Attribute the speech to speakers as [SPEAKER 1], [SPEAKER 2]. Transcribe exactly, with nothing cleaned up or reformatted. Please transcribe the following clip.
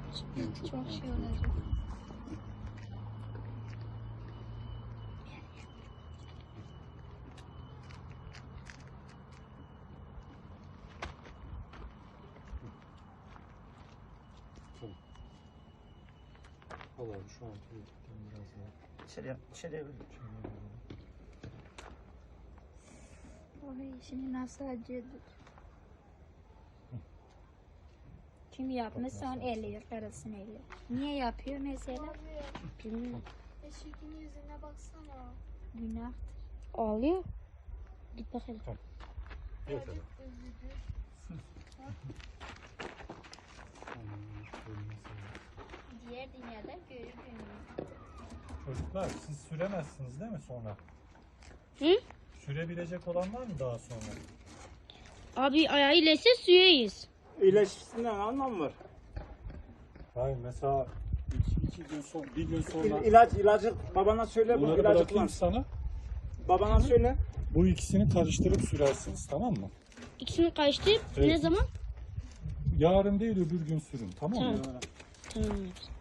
[SPEAKER 1] Çok, çok şey olacak.
[SPEAKER 2] Al abi şu an tuvaletten biraz daha.
[SPEAKER 3] İçeriye, içeriye bir.
[SPEAKER 1] Oy, şimdi nasıl acıdır. Kim yapmışsa onu eliyor, karısını eliyor. Niye yapıyor mesela? Bilmiyorum.
[SPEAKER 4] Eşeğin yüzüne baksana.
[SPEAKER 1] Günahtır. Ağlıyor. Git bakalım.
[SPEAKER 2] Yeter.
[SPEAKER 4] Üzüldü. Diğer dünyada görür gününü.
[SPEAKER 2] Çocuklar siz süremezsiniz değil mi sonra?
[SPEAKER 5] Hı?
[SPEAKER 2] Sürebilecek olan var mı daha sonra?
[SPEAKER 5] Abi ayağı iyileşse süreyiz.
[SPEAKER 3] İyileşmesinden anlam var.
[SPEAKER 2] Hayır mesela iki, iki gün sonra, bir gün sonra
[SPEAKER 3] İl, ilaç, ilacı babana söyle bu
[SPEAKER 2] bunları
[SPEAKER 3] ilacı
[SPEAKER 2] bırakayım
[SPEAKER 3] kullan.
[SPEAKER 2] sana.
[SPEAKER 3] Babana söyle.
[SPEAKER 2] Bu ikisini karıştırıp sürersiniz, tamam mı?
[SPEAKER 5] İkisini karıştırıp
[SPEAKER 2] Evet.
[SPEAKER 5] ne zaman?
[SPEAKER 2] Yarın değil öbür gün sürün, tamam mı?
[SPEAKER 5] Tamam. Tamam.